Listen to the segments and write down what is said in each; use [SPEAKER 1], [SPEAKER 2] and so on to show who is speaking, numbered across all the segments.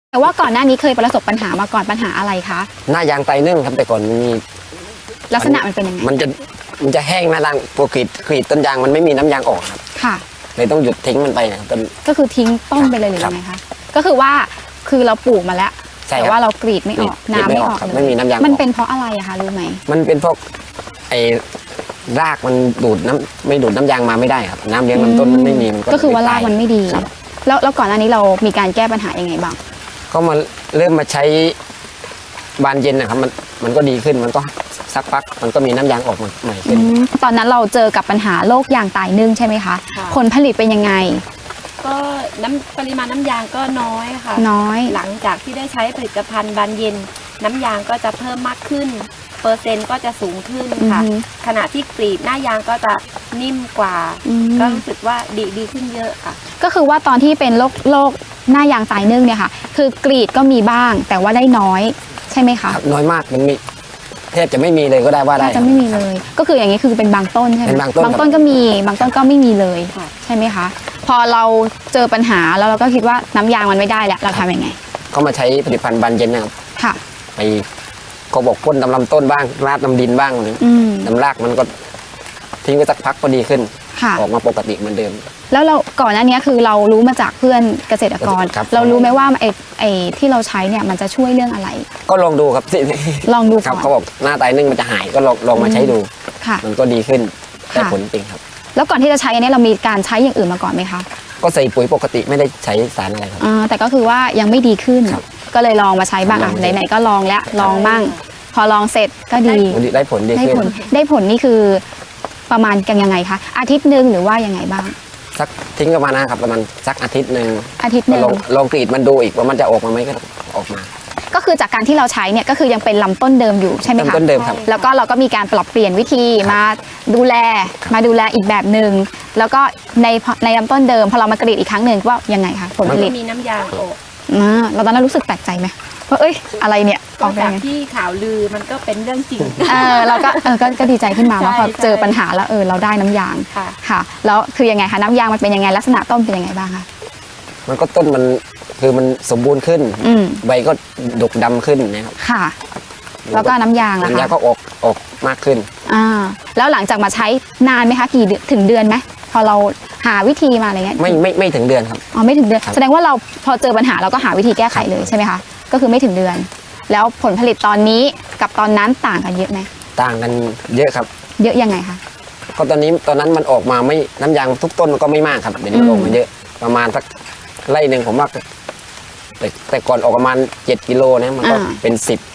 [SPEAKER 1] แต่ว่าก่อนหน้านี้เคยประสบปัญหามาก่อนปัญหาอะไรคะ
[SPEAKER 2] หน้ายางไตนึ่งครับแต่ก่อนมี
[SPEAKER 1] ลักษณะมันเป็นยังไง
[SPEAKER 2] มันจะแห้งหน้ายางพอกรีดต้นยางมันไม่มีน้ำยางออกครับ
[SPEAKER 1] ค่ะ
[SPEAKER 2] เลยต้องหยุดทิ้งมันไปนะต้น
[SPEAKER 1] ก็คือทิ้งต้นไปเลยหรือยังไงคะก็คือว่าคือเราปลูกมาแล้วแต่ว่าเรากรีดไม่ออกน้ำไม่ออก
[SPEAKER 2] ไม่มีน้ำยาง
[SPEAKER 1] มันเป็นเพราะอะไรอะคะรู้ไหม
[SPEAKER 2] มันเป็นเพราะไอ้รากมันดูดน้ำไม่ดูดน้ำยางมาไม่ได้ครับน้ำเลี้ยงลำต้นมันไม่มีมัน
[SPEAKER 1] ก็คือว่ารากมันไม่ดีแล้วก่อนหน้านี้เรามีการแก้ปัญหายังไงบ้าง
[SPEAKER 2] ก็มาเริ่มมาใช้บานเย็นนะครับมันก็ดีขึ้นมันก็สักพักมันก็มีน้ำยางออกมาใหม่ขึ้น
[SPEAKER 1] ตอนนั้นเราเจอกับปัญหาโรคยางตายนึ่งใช่ไหมคะผลผลิตเป็นยังไง
[SPEAKER 3] ก็ปริมาณน้ำยางก็น้อยค่ะ
[SPEAKER 1] น้อย
[SPEAKER 3] หลังจากที่ได้ใช้ผลิตภัณฑ์บานเย็นน้ำยางก็จะเพิ่มมากขึ้นเปอร์เซ็นต์ก็จะสูงขึ้นค่ะขณะที่กรีดหน้ายางก็จะนิ่มกว่าก็รู้สึกว่าดีขึ้นเยอะค่ะ
[SPEAKER 1] ก็คือว่าตอนที่เป็นโรคหน้ายางตายนึ่งเนี่ยค่ะคือกรีดก็มีบ้างแต่ว่าได้น้อยใช่ไหมคะ
[SPEAKER 2] น้อยมากมันมีแทบจะไม่มีเลยก็ได้ว่าได้
[SPEAKER 1] จะไม่มีเลยก็คืออย่างนี้คือเป็นบางต้นใช่ไหมบางต้นก็มีบางต้นก็ไม่มีเลยใช่ไหมคะพอเราเจอปัญหาแล้วเราก็คิดว่าน้ำยางมันไม่ได้แล้วเราทำยังไง
[SPEAKER 2] ก็มาใช้ผลิตภัณฑ์บานเย็นนะครับ
[SPEAKER 1] ค่ะ
[SPEAKER 2] ไปก็บอกพ่นลำต้นบ้างราดน้ำดินบ้างน้ำรากมันก็ทิ้งไปสักพักก็ดีขึ้นออกมาปกติเหมือนเดิม
[SPEAKER 1] แล้วเราก่อนหน้านี้คือเรารู้มาจากเพื่อนเกษตรกรเรารู้ไหมว่าไอ้ที่เราใช้เนี่ยมันจะช่วยเรื่องอะไร
[SPEAKER 2] ก็ลองดูครับ
[SPEAKER 1] ลองดู
[SPEAKER 2] ครับเขาบอกหน้าตายนึ่งมันจะหายก็ลองมาใช้ดูมันก็ดีขึ้นได้ผลจริงครับ
[SPEAKER 1] แล้วก่อนที่จะใช้อันนี้เรามีการใช้อย่างอื่นมาก่อนไหมคะ
[SPEAKER 2] ก็ใส่ปุ๋ยปกติไม่ได้ใช้สารอะไรครับ
[SPEAKER 1] แต่ก็คือว่ายังไม่ดีขึ้นก็เลยลองมาใช้บ้างไหนๆก็ลองแล้วลองบ้างพอลองเสร็จก็ดี
[SPEAKER 2] ได้ผลดีขึ้น
[SPEAKER 1] ได้ผลนี่คือประมาณกันยังไงคะอาทิตย์หนึ่งหรือว่ายังไงบ้าง
[SPEAKER 2] สักทิ้งประมาณนะครับประมาณสักอาทิตย์หนึ่งลองกรีดมันดูอีกว่ามันจะออกมาไหมก็ออกมา
[SPEAKER 1] ก็คือจากการที่เราใช้เนี่ยก็คือยังเป็นลำต้นเดิมอยู่ใช่ไหมคะ
[SPEAKER 2] ต้นเดิมครับ
[SPEAKER 1] แล้วก็เราก็มีการปรับเปลี่ยนวิธีมาดูแลอีกแบบหนึ่งแล้วก็ในลำต้นเดิมพอเรามากรีดอีกครั้งหนึ่งว่ายังไงคะผลผลิต
[SPEAKER 3] มีน้ำยางออก
[SPEAKER 1] เราตอนนั้นรู้สึกแปลกใจไหมว่าเอ้ยอะไรเนี่ย
[SPEAKER 3] ออกจากที่ข่าวลือมันก็เป็นเรื่องจริง
[SPEAKER 1] เราก็ดีใจขึ้นมาว่าพอเจอปัญหาแล้วเราได้น้ำยางค่ะแล้วคือยังไงคะน้ำยางมันเป็นยังไงลักษณะต้นเป็นยังไงบ้างคะ
[SPEAKER 2] มันก็ต้นมันคือมันสมบูรณ์ขึ้นใบก็ดกดำขึ้นนะครับ
[SPEAKER 1] ค่ะแล้วก็น้ำยางล่ะคะ
[SPEAKER 2] น้ำยางก็ออกมากขึ้น
[SPEAKER 1] แล้วหลังจากมาใช้นานไหมคะกี่ถึงเดือนไหมพอเราหาวิธีมาอะไรเงี้ย
[SPEAKER 2] ไม่ถึงเดือนครับ
[SPEAKER 1] ไม่ถึงเดือนแสดงว่าเราพอเจอปัญหาเราก็หาวิธีแก้ไขเลยใช่ไหมคะก็คือไม่ถึงเดือนแล้วผลผลิตตอนนี้กับตอนนั้นต่างกันเยอะไหม
[SPEAKER 2] ต่างกันเยอะครับ
[SPEAKER 1] เยอะยังไงคะ
[SPEAKER 2] ก็ตอนนั้นมันออกมาไม่น้ำยางทุกต้นมันก็ไม่มากครับเดี๋ยวนี้ออกมาเยอะประมาณสักไร่หนึ่งผมว่าแต่ก่อนออกประมาณ7 กิโลนะมันก็เป็น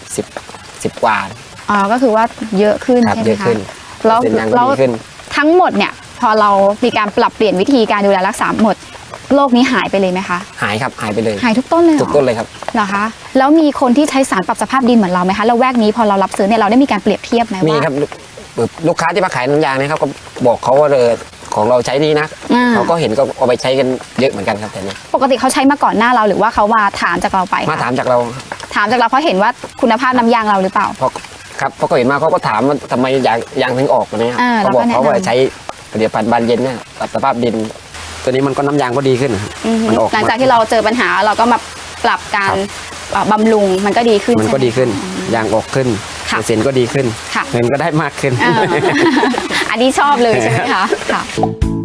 [SPEAKER 2] 10กว่า
[SPEAKER 1] ก็คือว่าเยอะขึ้นใช่ไหมคะแล้วทั้งหมดเนี่ยพอเรามีการปรับเปลี่ยนวิธีการดูแลรักษาหมดโรคนี้หายไปเลยไหมคะ
[SPEAKER 2] หายครับหายไปเลย
[SPEAKER 1] หายทุกต้นเลย
[SPEAKER 2] ทุกต้นเลยครับ
[SPEAKER 1] เหรอคะแล้วมีคนที่ใช้สารปรับสภาพดินเหมือนเราไหมคะแล้วแวกนี้พอเรารับซื้อเนี่ยเราได้มีการเปรียบเทียบไหมว่า
[SPEAKER 2] มีครับลูกค้าที่มาขายน้ำยางนะครับก็บอกเขาว่าของเราใช้ดีนะเขาก็เห็นก็เอาไปใช้กันเยอะเหมือนกันครับแต่นี้
[SPEAKER 1] ปกติเขาใช้มาก่อนหน้าเราหรือว่าเขามาถามจากเราไป
[SPEAKER 2] มาถามจากเรา
[SPEAKER 1] เพราะเห็นว่าคุณภาพน้ำยางเราหรือเปล่า
[SPEAKER 2] ครับพอเขาเห็นมาเขาก็ถามว่าทำไมยางถึงออกเนี่ยเขาบอกเขาว่าใช้ผลิตภัณฑ์บานเย็นเนี่ยปรับสภาพดินตัวนี้มันก็น้ำยางก็ดีขึ้น
[SPEAKER 1] มันออกหลังจากที่เราเจอปัญหาเราก็มาปรับการบำรุงมันก็ดีขึ้น
[SPEAKER 2] มันก็ดีขึ้นยางออกขึ้นเส้นก็ดีขึ้นเงินก็ได้มากขึ้น
[SPEAKER 1] อันนี้ชอบเลยใช่ไหมคะ